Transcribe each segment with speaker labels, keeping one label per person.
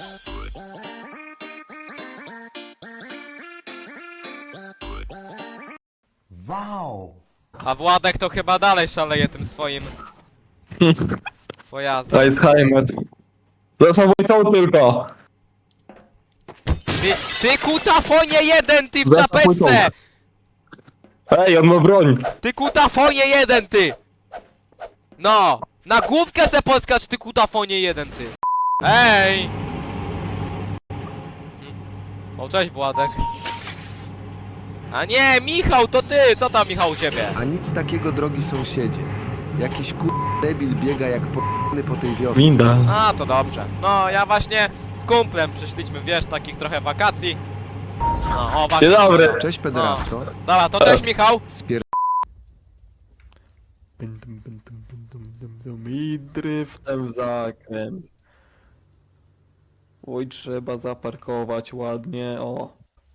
Speaker 1: Wow!
Speaker 2: A Władek to chyba dalej szaleje tym swoim pojazdem.
Speaker 3: Alzheimer. To samo to tylko.
Speaker 2: Ty kutafonie jeden, ty w
Speaker 3: Za
Speaker 2: czapeczce!
Speaker 3: chuj Ej, on ma broń.
Speaker 2: Ty kutafonie jeden, ty! No! Na główkę se poskacz, ty kutafonie jeden, ty! Ej! O, cześć Władek. A nie, Michał, to ty! Co tam, Michał, u ciebie?
Speaker 1: A nic takiego, drogi sąsiedzie. Jakiś debil biega jak p***ny po tej wiosce.
Speaker 3: Winda.
Speaker 2: A, to dobrze. No, ja właśnie z kumplem przyszliśmy, wiesz, takich trochę wakacji. No, o, właśnie.
Speaker 3: Dzień dobry.
Speaker 1: Cześć pederasto.
Speaker 2: Dobra, to cześć, Michał.
Speaker 1: Spier...
Speaker 3: I driftem w zakręt. Oj, trzeba zaparkować ładnie, o.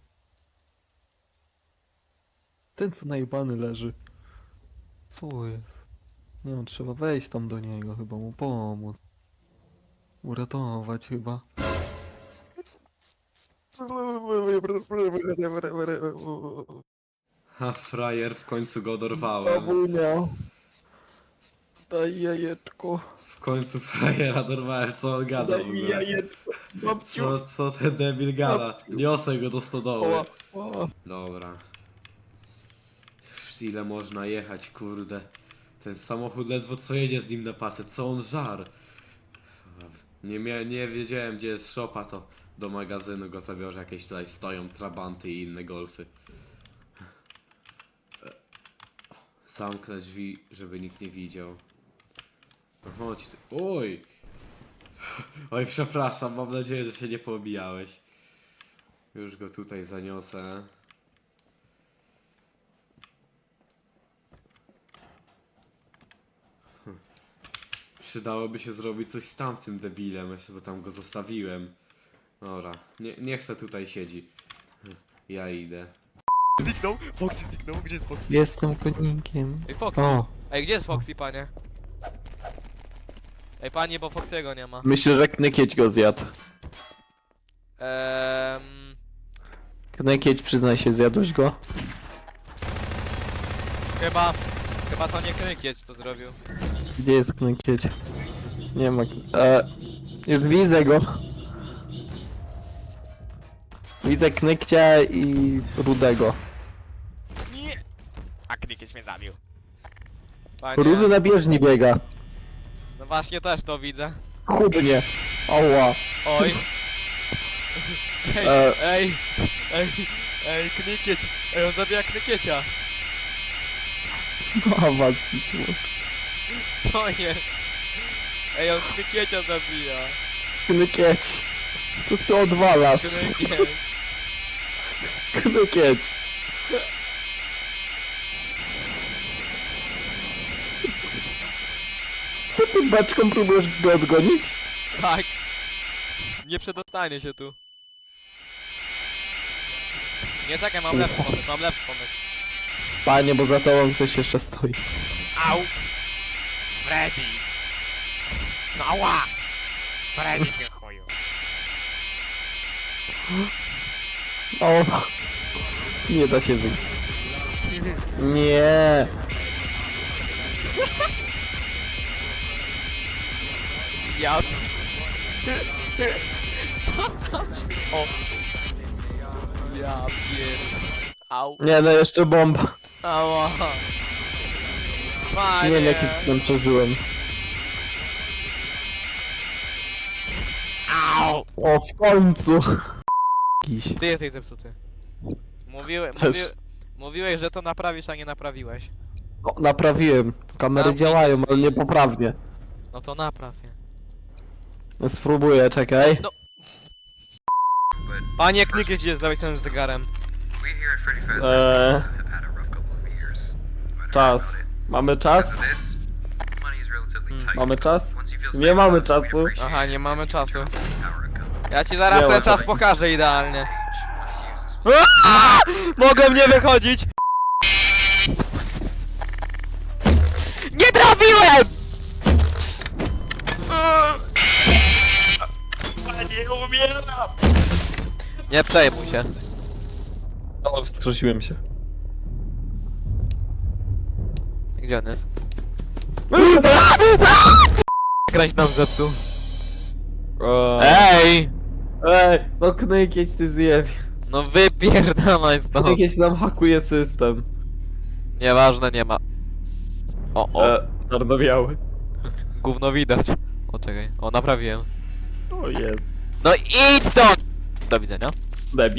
Speaker 3: Ten co najebany leży. Co jest? No, trzeba wejść tam do niego, chyba mu pomóc. Uratować chyba.
Speaker 4: Ha, frajer, w końcu go dorwałem.
Speaker 3: Babunia. Daj jajeczko.
Speaker 4: W końcu frajera dorwałem, co on gada w
Speaker 3: Daj mi
Speaker 4: ogóle?
Speaker 3: jajeczko. Babciu.
Speaker 4: Co ten debil gada? Niosę go do stodoły.
Speaker 3: O.
Speaker 4: Dobra. Już ile można jechać, kurde. Ten samochód ledwo co jedzie z nim na pasę, co on żar. Nie wiedziałem gdzie jest szopa, to do magazynu go zabiorę, jakieś tutaj stoją trabanty i inne golfy. Zamknę drzwi, żeby nikt nie widział. No chodź ty. Oj! Oj, przepraszam, mam nadzieję, że się nie poobijałeś. Już go tutaj zaniosę. Przydałoby się zrobić coś z tamtym debilem, jeszcze bo tam go zostawiłem. Dobra, nie chcę tutaj siedzi. Ja idę.
Speaker 2: Zniknął? Foxy zniknął? Gdzie jest Foxy?
Speaker 3: Jestem konikiem.
Speaker 2: Ej, Foxy.
Speaker 3: O,
Speaker 2: Ej, gdzie jest Foxy, panie? Ej, panie, bo Foxy'ego nie ma.
Speaker 3: myślę, że Knykieć go zjadł. Knykieć, przyznaj się, zjadłeś go?
Speaker 2: Chyba to nie Krykieć, co zrobił.
Speaker 3: Gdzie jest Knykieć? Nie ma... już widzę go. Widzę Knykcia i Rudego.
Speaker 2: Nie! A Krykieć mnie zabił. Panie,
Speaker 3: Rudy na bieżni biega.
Speaker 2: no właśnie też to widzę.
Speaker 3: Chudnie. Oła.
Speaker 2: Oj.
Speaker 3: E.
Speaker 2: Ej, Krykieć. Ej, on zabija Krykiecia.
Speaker 3: No, was.
Speaker 2: Co jest? Ej, on Krykiecia zabija.
Speaker 3: Knykieć. Co ty odwalasz?
Speaker 2: Krykieć.
Speaker 3: Knykieć. Co ty beczką próbujesz go odgonić?
Speaker 2: Tak. Nie przedostanie się tu. Nie, czekaj, mam lepszy pomysł.
Speaker 3: Panie, bo za tobą ktoś jeszcze stoi.
Speaker 2: Au! Freddy! No ała! Freddy, ty chuju.
Speaker 3: O. Nie da się wyjść. Nie.
Speaker 2: Ja... Co tam? O! Ja pier... Au!
Speaker 3: Nie, no jeszcze bomba.
Speaker 2: Ała! Panie!
Speaker 3: Nie wiem jakim cudem przeżyłem.
Speaker 2: Au!
Speaker 3: O, w końcu. Jakiś.
Speaker 2: Ty jesteś zepsuty.
Speaker 3: Też.
Speaker 2: Mówiłeś, że to naprawisz, a nie naprawiłeś.
Speaker 3: No, naprawiłem. Kamery
Speaker 2: Zamknij
Speaker 3: działają,
Speaker 2: drzwi.
Speaker 3: ale niepoprawnie.
Speaker 2: No to napraw je.
Speaker 3: No, spróbuję, czekaj.
Speaker 2: No. Panie Knykieć jest z lewej strony z zegarem.
Speaker 3: Czas. Mamy czas? Mamy czas? Nie mamy czasu.
Speaker 2: Aha, nie mamy czasu. Ja ci zaraz
Speaker 3: Nie ma
Speaker 2: ten czas
Speaker 3: czasu.
Speaker 2: pokażę idealnie. Aaaa! Mogę mnie wychodzić! Nie trafiłem! Panie! Nie umieram! Nie przejmuj się.
Speaker 3: No, wskrzesiłem się.
Speaker 2: Gdzie on jest? Grać nam zepsuł. Ej!
Speaker 3: Ej, no Knyk, jedź ty zjeb.
Speaker 2: No wypierdalaj stąd.
Speaker 3: Jakieś nam hakuje system.
Speaker 2: Nieważne, nie ma. O,
Speaker 3: Czarno-biały.
Speaker 2: gówno widać. O, czekaj. O, naprawiłem.
Speaker 3: O jest.
Speaker 2: No idź stąd! Do widzenia.
Speaker 3: Debi.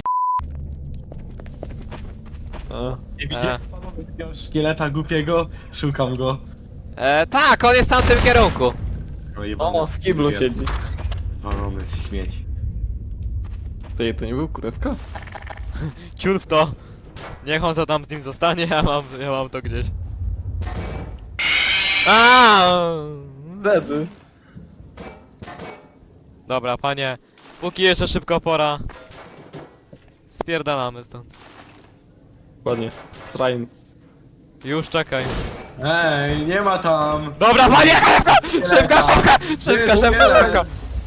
Speaker 3: A.
Speaker 4: Nie
Speaker 2: widzicie
Speaker 4: panowie takiego szkieleta głupiego? Szukam go.
Speaker 2: Tak, on jest w tamtym kierunku.
Speaker 3: O, w kiblu siedzi.
Speaker 4: Walony śmieć.
Speaker 3: To nie był kurewka?
Speaker 2: Ciul w to. Niech on co tam z nim zostanie, ja mam to gdzieś.
Speaker 3: Wtedy.
Speaker 2: Dobra, panie. Póki jeszcze szybko pora. Spierdalamy stąd.
Speaker 3: Ładnie. Srain.
Speaker 2: Już czekaj.
Speaker 4: Ej, nie ma tam!
Speaker 2: Dobra, panie! Szybko, szybko!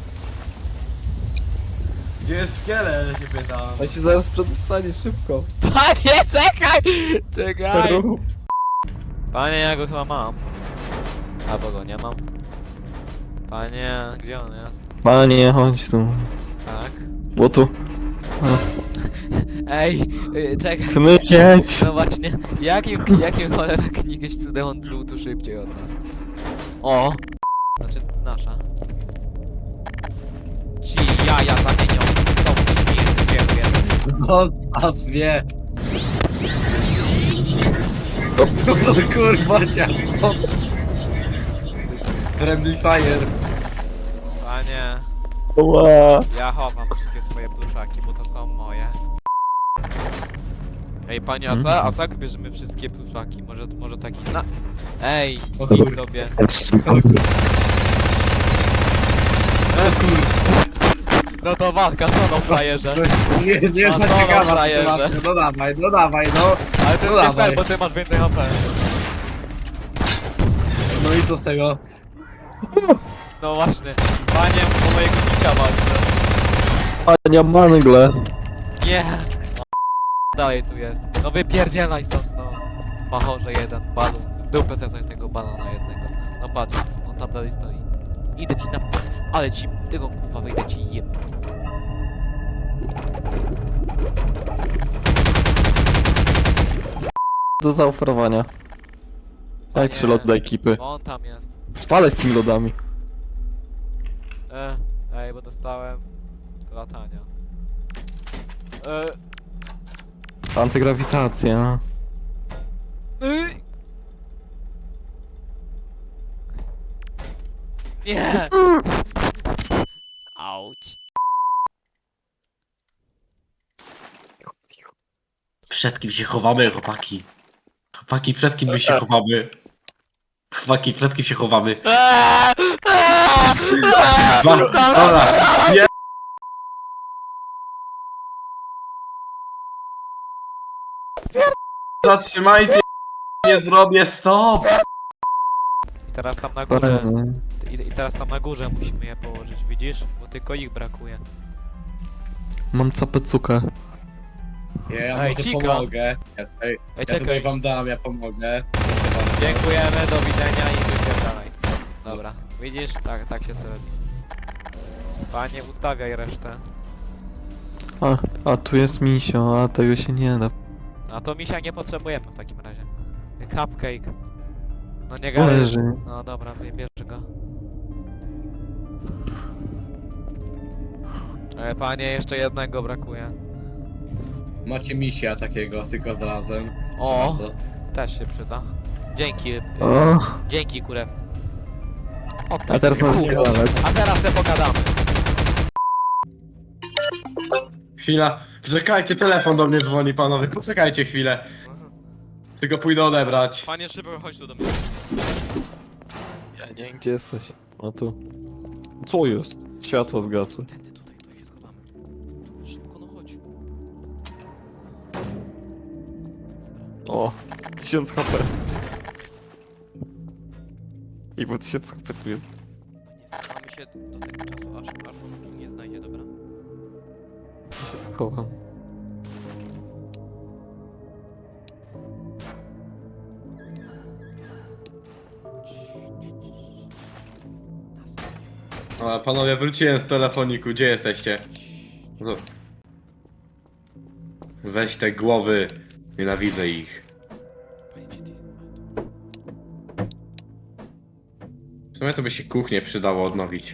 Speaker 4: Gdzie jest szkielet, się pytam.
Speaker 3: A się zaraz przedostanie szybko.
Speaker 2: Panie, czekaj! Czekaj!
Speaker 3: Rób.
Speaker 2: Panie, ja go chyba mam. Albo go nie mam. Panie, gdzie on jest?
Speaker 3: Panie, chodź tu.
Speaker 2: Tak.
Speaker 3: Bo tu.
Speaker 2: Ej, czekaj.
Speaker 3: Knyk, jedź.
Speaker 2: No właśnie, jakim cholera klikać cudem on był tu szybciej od nas? O! Znaczy, nasza. Ci jaja zamienią z tą śmierdzielkiem.
Speaker 4: Zostaw mnie! Kurwa cię! Friendly fire!
Speaker 2: Panie,
Speaker 3: Ła.
Speaker 2: ja chowam wszystkie swoje pluszaki, bo to są moje. Ej, panie, a co jak zbierzemy wszystkie pluszaki? Może taki na... Ej, idź sobie. No to walka, co no frajerze?
Speaker 4: Nie
Speaker 2: A
Speaker 4: jest
Speaker 2: co no,
Speaker 4: ciekawa
Speaker 2: frajerze?
Speaker 4: sytuacja, no dawaj, no!
Speaker 2: Ale to
Speaker 4: No
Speaker 2: jest nie fair,
Speaker 4: dawaj.
Speaker 2: bo ty masz więcej HP.
Speaker 4: No i co z tego?
Speaker 2: No właśnie, panie, po mojego bicia walczę.
Speaker 3: Panie, mangle.
Speaker 2: Nie! O, dalej tu jest. No wypierdzielaj stąd, no. Machorze jeden, balon. W dupę sobie coś tego balona jednego. No patrz, on tam dalej stoi. Idę ci na... Ale ci... Tego kurwa wyjdę ci jeb...
Speaker 3: Do zaoferowania. Jak 3 lot dla ekipy.
Speaker 2: Bo on tam jest.
Speaker 3: Spalaj z tymi lodami.
Speaker 2: Ej, bo dostałem... Latania.
Speaker 3: Antygrawitacja.
Speaker 2: Nie! Auć.
Speaker 4: Przed kim się chowamy, chłopaki? Chłopaki, przed kim my się chowamy? Chłopaki, przed kim się chowamy? Dobra, nie! Zatrzymajcie! Nie zrobię, stop!
Speaker 2: I teraz tam na górze... I teraz tam na górze musimy je położyć, widzisz? Bo tylko ich brakuje.
Speaker 3: Mam capecukę.
Speaker 4: Ja
Speaker 2: Ej,
Speaker 4: może
Speaker 2: Cika.
Speaker 4: pomogę.
Speaker 2: Ej,
Speaker 4: Ja tutaj
Speaker 2: czekaj.
Speaker 4: wam dam, ja pomogę.
Speaker 2: Dziękujemy, do widzenia i wypierdalaj. Dobra, widzisz? Tak się to robi. Panie, ustawiaj resztę.
Speaker 3: A tu jest misio, a tego się nie da.
Speaker 2: A to misia nie potrzebujemy w takim razie. Cupcake. No nie gadaj.
Speaker 3: Leży.
Speaker 2: No dobra, bierz go. Panie, jeszcze jednego brakuje.
Speaker 4: Macie misia takiego, tylko znalazłem.
Speaker 2: O,
Speaker 4: Bardzo.
Speaker 2: też się przyda. Dzięki,
Speaker 3: O,
Speaker 2: dzięki kurew.
Speaker 3: a teraz mam spierdalać.
Speaker 2: A teraz se pogadamy.
Speaker 4: Chwila, czekajcie, telefon do mnie dzwoni, panowie, poczekajcie chwilę. Tylko pójdę odebrać.
Speaker 2: Panie, szybko chodź tu do mnie.
Speaker 3: Ja nie wiem, gdzie jesteś. O tu. Co jest? Światło zgasły.
Speaker 2: Tędy tutaj, tu się schowamy. Tu, szybko, no chodź.
Speaker 3: O, 1000 HP. I po 1000 HP tu jest.
Speaker 2: Panie, schowamy się do tego czasu, aż on nas tu nie znajdzie, dobra?
Speaker 3: Ja się schowam.
Speaker 2: Na spokojnie.
Speaker 4: Ale panowie, wróciłem z telefoniku, gdzie jesteście? No. Weź te głowy, nienawidzę ich.
Speaker 2: Panie GT.
Speaker 4: W sumie to by się kuchnię przydało odnowić.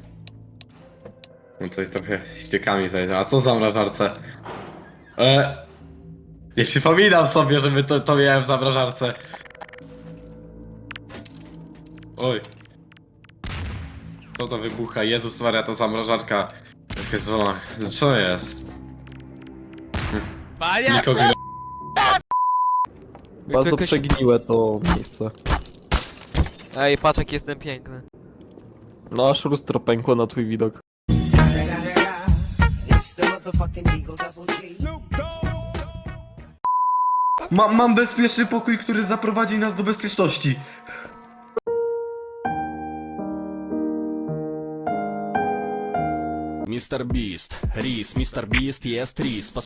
Speaker 4: No coś trochę ściekami zajdzie. A co za zamrażarce? Nie przypominam sobie, żeby to miałem w zamrażarce. Oj. Co to wybucha? Jezus Maria, to zamrażarka. Jezu, co jest?
Speaker 2: Panie!
Speaker 4: Nikogo nie...
Speaker 3: Bardzo
Speaker 2: Jakoś-
Speaker 3: przegniłe to miejsce.
Speaker 2: Ej, patrz jak jestem piękny.
Speaker 3: No aż lustro pękło na twój widok.
Speaker 4: Mam bezpieczny pokój, który zaprowadzi nas do bezpieczności.
Speaker 5: Мистер Бист, рис, мистер Бист ест рис.